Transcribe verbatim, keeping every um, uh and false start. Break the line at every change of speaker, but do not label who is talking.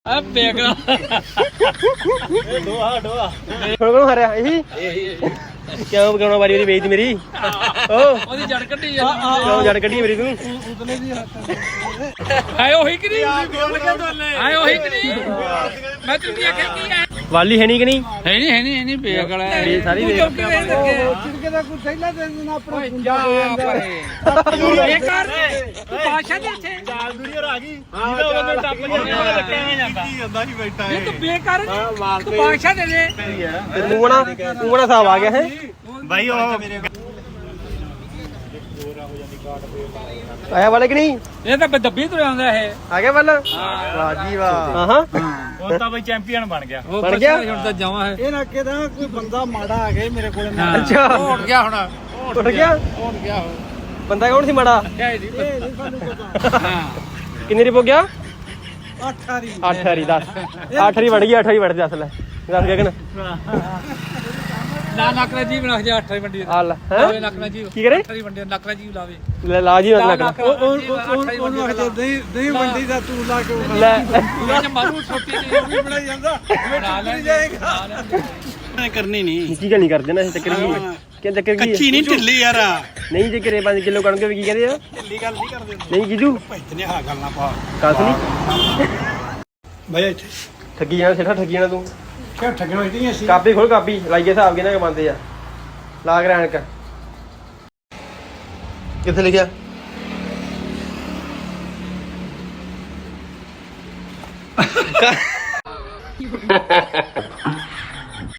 ਆ ਬੇਗਲਾ
ਦੋਹਾ ਦੋਹਾ
ਹੁਣ ਕੋਣ ਹਰਿਆ ਇਹੀ ਕਿਉਂ ਬਗਾਉਣਾ ਵਾਰੀ ਵਾਰੀ ਵੇਚਦੀ ਮੇਰੀ ਓ
ਉਹਦੀ ਜੜ ਕੱਢੀ
ਕਿਉਂ ਜੜ ਕੱਢੀ ਮੇਰੀ ਤੂੰ
ਆਏ ਉਹੀ ਕਿ ਨਹੀਂ ਆਏ ਉਹੀ ਕਿ ਨਹੀਂ ਮੈਂ ਤੈਨੂੰ ਕੀ ਆਖਿਆ ਕੀ ਹੈ
ਵਾਲੀ ਹੈ ਨਹੀਂ ਕਿ ਨਹੀਂ
ਹੈ ਨਹੀਂ ਹੈ ਨਹੀਂ ਹੈ ਨਹੀਂ ਬੇਗਲਾ
ਇਹ ਸਾਰੀ ਵੇਚ
ਚਿੜਕੇ ਦਾ ਕੋਈ ਥੈਲਾ ਦੇ ਦੇਣਾ ਆਪਣਾ ਪੁੰਜਾ ਹੋ ਜਾਂਦਾ
ਇਹ ਕਰ ਤੂੰ ਬਾਦਸ਼ਾਹ ਦੇ ਇੱਥੇ
ਚਾਲ ਦੂਰੀ ਆ ਗਈ ਜਿਹਦਾ ਉਹਨੇ ਟੱਪ ਗਿਆ ਲੱਗਿਆ ਜਾਂਦਾ ਕੀ ਜਾਂਦਾ ਸੀ ਬੈਠਾ
ਇਹ ਤੂੰ ਬੇਕਾਰ ਤੂੰ ਬਾਦਸ਼ਾਹ ਦੇ ਦੇ
ਤੂੰ ਬਣਾ ਤੂੰ ਬਣਾ ਹਿਸਾਬ ਆ ਗਿਆ ਹੈ
ਭਾਈ ਉਹ
ਆਇਆ ਵਾਲੇ ਕਿ ਨਹੀਂ
ਇਹ ਤਾਂ ਦੱਬੀ ਤੁਰਿਆ ਆਉਂਦਾ ਇਹ
ਆ ਗਿਆ ਵੱਲ ਵਾਹ ਜੀ ਵਾਹ ਹਾਂ
ਉਹ ਤਾਂ ਬਈ ਚੈਂਪੀਅਨ ਬਣ ਗਿਆ
ਉਹ
ਬਣ ਗਿਆ?
ਹੁਣ ਤਾਂ ਜਾਵਾਂ ਹੈ
ਇਹ ਨਾ ਕਿਦਾ ਕੋਈ ਬੰਦਾ ਮਾੜਾ ਆ ਗਿਆ ਮੇਰੇ ਕੋਲ
ਅੱਛਾ
ਉੱਠ ਗਿਆ ਹੁਣ
ਉੱਠ ਗਿਆ
ਉੱਠ ਗਿਆ ਹੁਣ
ਬੰਦਾ ਕੌਣ ਸੀ ਮਾੜਾ
ਕਿਆ ਜੀ
ਇਹ ਨਹੀਂ ਸਾਨੂੰ ਪਤਾ
ਹਾਂ
ਕਿੰਨੇ ਰਿਪੋ ਗਿਆ
ਅੱਠ ਵਾਰੀ
ਅੱਠ ਹਰੀ ਦਸ ਅੱਠ ਹਰੀ ਵੜ ਗਈ ਅੱਠ ਹਰੀ ਵੜ ਦੱਸ ਲੈ ਦੱਸ ਗਗਨ
ਨਾ ਨਕਰਾ ਜੀ ਬਣਾ ਜਾ ਅੱਠ ਮੰਡੀ
ਆ ਲੈ
ਲਾਵੇ
ਹੈ
ਨਕਰਾ ਜੀ
ਕੀ ਕਰੇ
ਅੱਠ ਮੰਡੀ ਨਕਰਾ ਜੀ ਲਾਵੇ
ਲੈ ਲਾ ਜੀ ਮਤ ਲੱਗ
ਉਹ ਉਹਨੂੰ ਆਖਦੇ ਨਹੀਂ ਨਹੀਂ ਮੰਡੀ ਦਾ ਤੂੰ ਲਾ ਕੇ ਉਹ
ਲੈ
ਇਹ ਮਾਰੂ ਛੋਟੀ ਜਿਹੀ
ਵੀ ਬਣਾਈ ਜਾਂਦਾ
ਬਣਾ ਲੈ
ਜਾਏਗਾ ਕਰਨੀ ਨਹੀਂ
ਕੀ ਗੱਲ ਨਹੀਂ ਕਰਦੇ ਨਾ ਇਹ ਚੱਕਰ ਕੀ ਹੈ ਕੀ ਚੱਕਰ ਕੀ
ਕੱਚੀ
ਹੈ
ਨਹੀਂ ਢਿੱਲੀ ਯਾਰ
ਨਹੀਂ ਜੇ ਕਰੇ ਪੰਜ ਕਿਲੋ ਕਣਕ ਵੀ ਕੀ ਕਹਿੰਦੇ ਆ
ਢਿੱਲੀ ਗੱਲ ਨਹੀਂ ਕਰਦੇ
ਨਹੀਂ ਜੀਜੂ
ਭੈਤਨੇ ਆ ਗੱਲ ਨਾ ਪਾ
ਕਾਸ ਨਹੀਂ
ਭਾਈ ਇੱਥੇ
ਠੱਗੀ ਜਾਣਾ ਸਿੱਠਾ ਠੱਗੀ ਜਾਣਾ ਤੂੰ
ਕਿਉਂ ਠੱਗਣ ਹੋਈ ਅਸੀਂ
ਕਾਪੀ ਖੋਲ ਕਾਪੀ ਲਾਈਏ ਹਿਸਾਬ ਕਿਹਨਾਂ ਕੇ ਬੰਦੇ ਆ ਲਾ ਕੇ ਰੈਣਕ ਕਿੱਥੇ ਲਿਖਿਆ